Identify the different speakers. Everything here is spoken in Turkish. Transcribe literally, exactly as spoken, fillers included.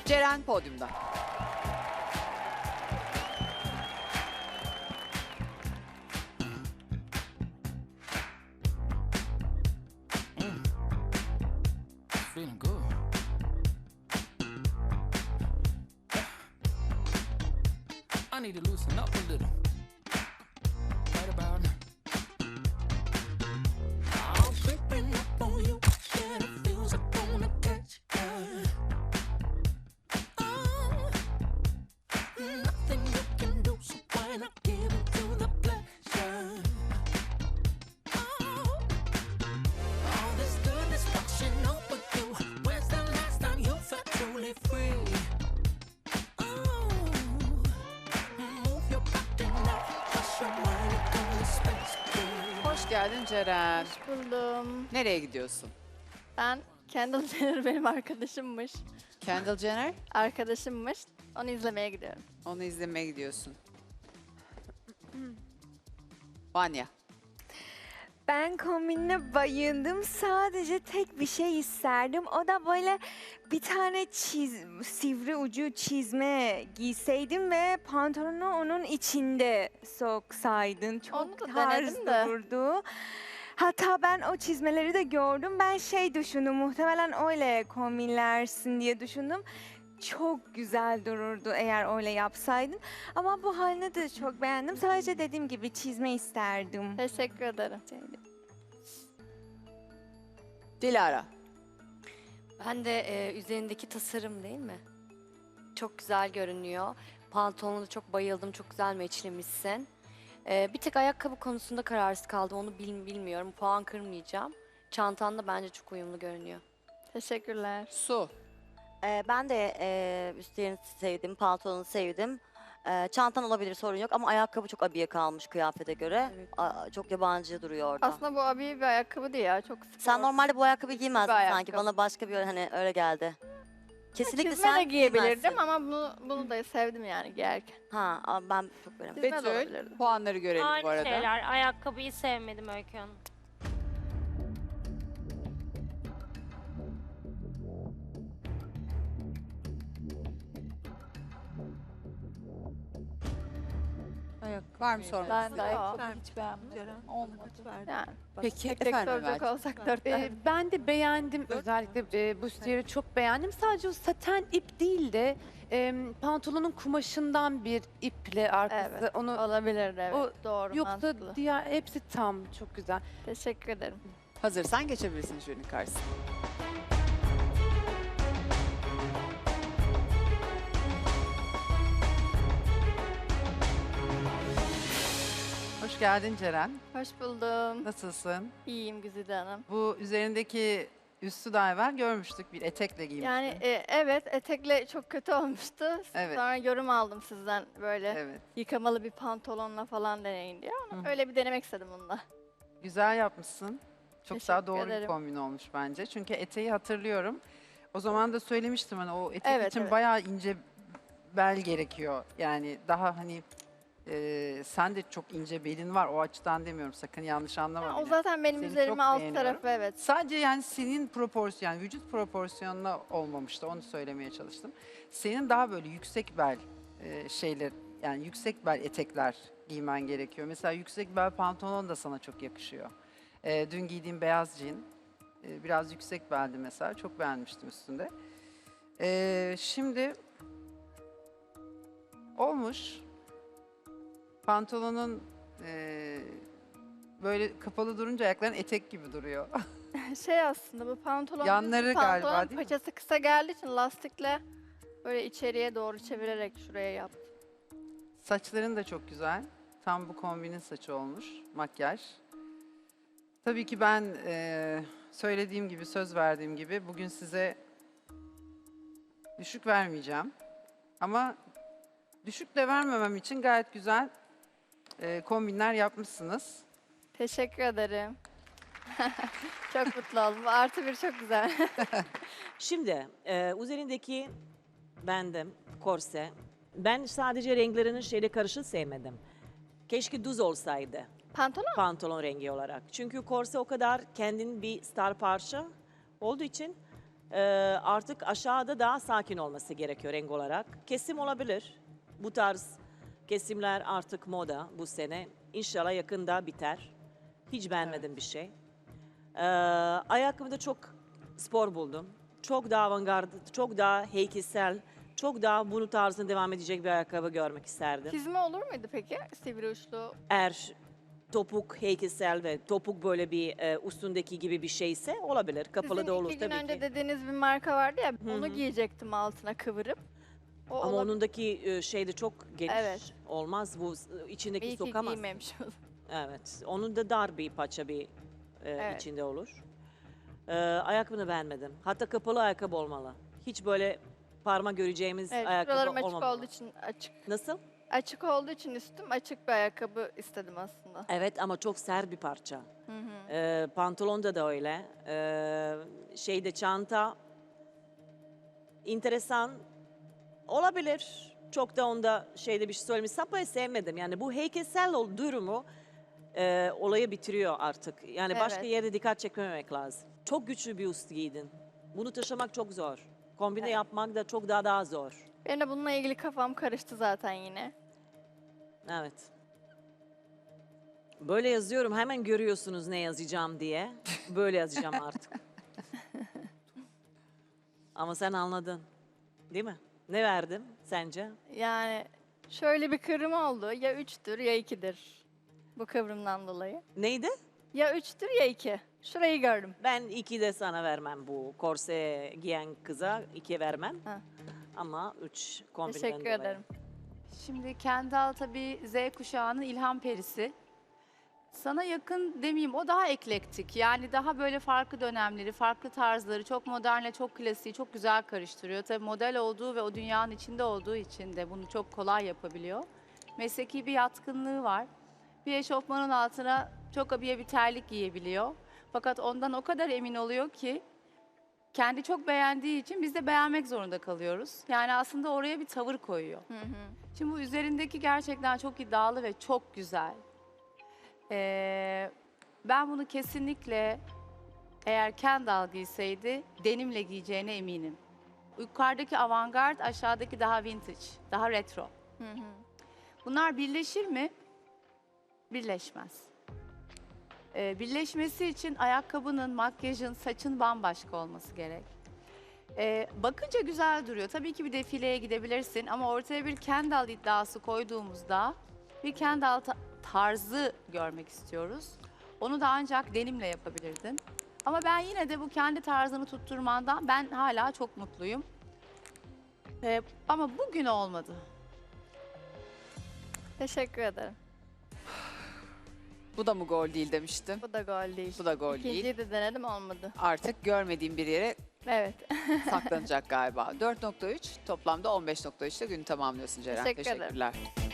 Speaker 1: Ceren podyumda.
Speaker 2: Feeling good. I need to loosen up a little. Right about now. I'm creeping up on you. Yeah, it feels like I wanna catch you. Oh, nothing you can do, so why not give it to the pleasure? Oh, all this goodness washing over you. When's the last time you felt truly free? Oh, move your body now, push your mind into space.
Speaker 1: Hoş geldin Ceren.
Speaker 3: Buldum.
Speaker 1: Nereye gidiyorsun?
Speaker 3: Ben Kendall Jenner benim arkadaşımmış.
Speaker 1: Kendall Jenner.
Speaker 3: Arkadaşımmış. Onu izlemeye gidiyorum.
Speaker 1: Onu izlemeye gidiyorsun. Vanya.
Speaker 4: Ben kombinine bayıldım. Sadece tek bir şey isterdim. O da böyle bir tane çiz, sivri ucu çizme giyseydim ve pantolonu onun içinde soksaydın. Çok
Speaker 3: Onu da
Speaker 4: tarz
Speaker 3: denedim de.
Speaker 4: dururdu. Hatta ben o çizmeleri de gördüm. Ben şey düşündüm, muhtemelen öyle kombinlersin diye düşündüm. Çok güzel dururdu eğer öyle yapsaydın. Ama bu halini de çok beğendim. Sadece dediğim gibi çizme isterdim.
Speaker 3: Teşekkür ederim.
Speaker 1: Dilara.
Speaker 5: Ben de e, üzerindeki tasarım değil mi? Çok güzel görünüyor. Pantolonuna çok bayıldım. Çok güzel meçlemişsin. E, bir tek ayakkabı konusunda kararsız kaldım. Onu bil, bilmiyorum. Puan kırmayacağım. Çantan da bence çok uyumlu görünüyor.
Speaker 3: Teşekkürler.
Speaker 1: Su.
Speaker 6: Ee, ben de e, üstlerini sevdim, pantolonu sevdim. Ee, çantan olabilir, sorun yok ama ayakkabı çok abiye kalmış kıyafete göre.
Speaker 5: Evet.
Speaker 6: Aa, çok yabancı duruyor orada.
Speaker 3: Aslında bu abi bir ayakkabı değil ya. Çok spor.
Speaker 6: Sen normalde bu ayakkabıyı giymezdin
Speaker 3: Bir
Speaker 6: sanki.
Speaker 3: ayakkabı.
Speaker 6: Bana başka bir hani öyle geldi. Kesinlikle
Speaker 3: Çizme de
Speaker 6: sen
Speaker 3: giyebilirdim
Speaker 6: giymezsin.
Speaker 3: ama bunu, bunu da sevdim yani giyerken.
Speaker 6: Ha, ama ben çok beğenmedim.
Speaker 3: Çizme de
Speaker 1: Betül.
Speaker 3: olabilirdi.
Speaker 1: Puanları görelim bu
Speaker 7: Aynı
Speaker 1: arada.
Speaker 7: şeyler. Ayakkabıyı sevmedim Öykü Hanım.
Speaker 1: Var mı sorun?
Speaker 3: Ben de ayakkabı
Speaker 8: Hiç beğenmedim.
Speaker 3: yani.
Speaker 1: Peki
Speaker 3: Tek tek
Speaker 1: efendim
Speaker 3: soracak
Speaker 1: Emel.
Speaker 3: olsak dört
Speaker 9: Ee,
Speaker 3: tane.
Speaker 9: ben de beğendim özellikle e, bu stiyeri çok beğendim. Sadece o saten ip değil de e, pantolonun kumaşından bir iple arkası
Speaker 3: Evet.
Speaker 9: onu
Speaker 3: Olabilir evet.
Speaker 9: O-
Speaker 3: Doğru
Speaker 9: yoksa
Speaker 3: mantıklı.
Speaker 9: diğer hepsi tam çok güzel.
Speaker 3: Teşekkür ederim.
Speaker 1: Hazırsan geçebilirsin jürinin karşısına.
Speaker 10: Hoş geldin Ceren.
Speaker 3: Hoş buldum.
Speaker 10: Nasılsın?
Speaker 3: İyiyim Güzide Hanım.
Speaker 10: Bu üzerindeki üstü daha evvel görmüştük. Bir etekle giymiştin.
Speaker 3: Yani e, evet etekle çok kötü olmuştu.
Speaker 10: Evet.
Speaker 3: Sonra yorum aldım sizden böyle
Speaker 10: Evet.
Speaker 3: yıkamalı bir pantolonla falan deneyin diye ama
Speaker 10: Hı.
Speaker 3: öyle bir denemek istedim bununla.
Speaker 10: Güzel yapmışsın. Çok
Speaker 3: Teşekkür
Speaker 10: daha doğru
Speaker 3: ederim.
Speaker 10: bir kombin olmuş bence. Çünkü eteği hatırlıyorum. O zaman da söylemiştim hani o etek
Speaker 3: Evet,
Speaker 10: için
Speaker 3: evet.
Speaker 10: bayağı ince bel gerekiyor. Yani daha hani e, sen de çok ince belin var. O açıdan demiyorum. Sakın yanlış anlama
Speaker 3: Ha, o
Speaker 10: beni.
Speaker 3: zaten benim
Speaker 10: Seni
Speaker 3: üzerime
Speaker 10: çok
Speaker 3: alt
Speaker 10: beğeniyorum.
Speaker 3: tarafı evet.
Speaker 10: Sadece yani senin proporsiyon, yani vücut proporsiyonuna olmamıştı. Onu söylemeye çalıştım. Senin daha böyle yüksek bel e, şeyler, yani yüksek bel etekler giymen gerekiyor. Mesela yüksek bel pantolon da sana çok yakışıyor. E, dün giydiğim beyaz jean e, biraz yüksek beldi mesela. Çok beğenmiştim üstünde. E, şimdi olmuş. Pantolonun e, böyle kapalı durunca ayakların etek gibi duruyor.
Speaker 3: Şey aslında bu pantolon
Speaker 10: Yanları
Speaker 3: düz bir pantolon,
Speaker 10: galiba, değil mi?
Speaker 3: paçası kısa geldiği için lastikle böyle içeriye doğru çevirerek şuraya yaptım.
Speaker 10: Saçların da çok güzel. Tam bu kombinin saçı olmuş. Makyaj. Tabii ki ben eee, söylediğim gibi, söz verdiğim gibi bugün size düşük vermeyeceğim. Ama düşük de vermemem için gayet güzel eee, kombinler yapmışsınız.
Speaker 3: Teşekkür ederim. Çok mutlu oldum. Bu artı bir çok güzel.
Speaker 8: Şimdi e, üzerindeki bendim korse. Ben sadece renklerinin şeyle karışık sevmedim. Keşke düz olsaydı
Speaker 3: Pantolon
Speaker 8: pantolon rengi olarak. Çünkü korse o kadar kendin bir star parça olduğu için Ee, artık aşağıda daha sakin olması gerekiyor renk olarak. Kesim olabilir. Bu tarz kesimler artık moda bu sene. İnşallah yakında biter. Hiç beğenmedim bir şey. Ee, ayakkabımı da çok spor buldum. Çok daha avantgard, çok daha heykelsel, çok daha bunu tarzında devam edecek bir ayakkabı görmek isterdim.
Speaker 3: Çizme olur muydu peki? Sivri uçlu.
Speaker 8: Eğer topuk heykelsel ve topuk böyle bir e, üstündeki gibi bir şeyse olabilir. Kapalı
Speaker 3: Sizin
Speaker 8: da olur
Speaker 3: iki gün
Speaker 8: tabii
Speaker 3: önce
Speaker 8: ki.
Speaker 3: dediğiniz bir marka vardı ya,
Speaker 8: Hı
Speaker 3: onu
Speaker 8: hı.
Speaker 3: giyecektim altına kıvırıp. O
Speaker 8: Ama
Speaker 3: olabilir.
Speaker 8: onundaki e, şey de çok geniş
Speaker 3: Evet.
Speaker 8: olmaz. Bu e, içindeki
Speaker 3: İyi ki
Speaker 8: sokamaz.
Speaker 3: giymemiş oldum.
Speaker 8: Evet. Onun da dar bir paça bir e,
Speaker 3: Evet.
Speaker 8: içinde olur. E, ayakkabını beğenmedim. Hatta kapalı ayakkabı olmalı. Hiç böyle parmak göreceğimiz
Speaker 3: Evet,
Speaker 8: ayakkabı
Speaker 3: şuralarım açık
Speaker 8: olmamalı.
Speaker 3: olduğu için açık.
Speaker 8: Nasıl?
Speaker 3: Açık olduğu için üstüm açık bir ayakkabı istedim aslında.
Speaker 8: Evet ama çok sert bir parça.
Speaker 3: Hı hı.
Speaker 8: Ee, pantolonda da öyle. Ee, şeyde çanta enteresan olabilir. Çok da onda şeyde bir şey söylemiş. Sapa'yı sevmedim. Yani bu heykelsel ol- durumu e, olayı bitiriyor artık. Yani başka
Speaker 3: Evet.
Speaker 8: yerde dikkat çekmemek lazım. Çok güçlü bir üst giydin. Bunu taşımak çok zor. Kombine
Speaker 3: Evet.
Speaker 8: yapmak da çok daha daha zor.
Speaker 3: Benim de bununla ilgili kafam karıştı zaten yine.
Speaker 8: Evet. Böyle yazıyorum hemen görüyorsunuz ne yazacağım diye. Böyle yazacağım artık. Ama sen anladın. Değil mi? Ne verdim sence?
Speaker 3: Yani şöyle bir kıvrım oldu. Ya üçtür ya ikidir. Bu kıvrımdan dolayı.
Speaker 8: Neydi?
Speaker 3: Ya üçtür ya iki. Şurayı gördüm.
Speaker 8: Ben iki de sana vermem bu korse giyen kıza iki vermem.
Speaker 3: Ha.
Speaker 8: Ama üç kombinden
Speaker 3: Teşekkür
Speaker 8: dolayı.
Speaker 3: ederim.
Speaker 9: Şimdi Kendall tabii Z kuşağının ilham perisi. Sana yakın demeyeyim, o daha eklektik. Yani daha böyle farklı dönemleri, farklı tarzları, çok modernle çok klasiği çok güzel karıştırıyor. Tabii model olduğu ve o dünyanın içinde olduğu için de bunu çok kolay yapabiliyor. Mesleki bir yatkınlığı var. Bir eşofmanın altına çok abiye bir terlik giyebiliyor. Fakat ondan o kadar emin oluyor ki kendi çok beğendiği için biz de beğenmek zorunda kalıyoruz. Yani aslında oraya bir tavır koyuyor.
Speaker 3: Hı hı.
Speaker 9: Şimdi bu üzerindeki gerçekten çok iddialı ve çok güzel. Ee, ben bunu kesinlikle eğer Kendall giyseydi denimle giyeceğine eminim. Yukarıdaki avantgard, aşağıdaki daha vintage, daha retro.
Speaker 3: Hı hı.
Speaker 9: Bunlar birleşir mi? Birleşmez. Ee, birleşmesi için ayakkabının, makyajın, saçın bambaşka olması gerek. Ee, bakınca güzel duruyor. Tabii ki bir defileye gidebilirsin ama ortaya bir Kendall iddiası koyduğumuzda bir Kendall ta- tarzı görmek istiyoruz. Onu da ancak denimle yapabilirdin. Ama ben yine de bu kendi tarzını tutturmandan ben hala çok mutluyum. Ee, ama bugün olmadı.
Speaker 3: Teşekkür ederim.
Speaker 1: Bu da mı gol değil demiştim.
Speaker 3: Bu da gol değil.
Speaker 1: Bu da gol değil.
Speaker 3: İkinciyi de denedim, olmadı.
Speaker 1: Artık görmediğim bir yere
Speaker 3: Evet.
Speaker 1: saklanacak galiba. dört nokta üç toplamda on beş nokta üç ile günü tamamlıyorsun Ceren.
Speaker 3: Teşekkür ederim.
Speaker 1: Teşekkürler.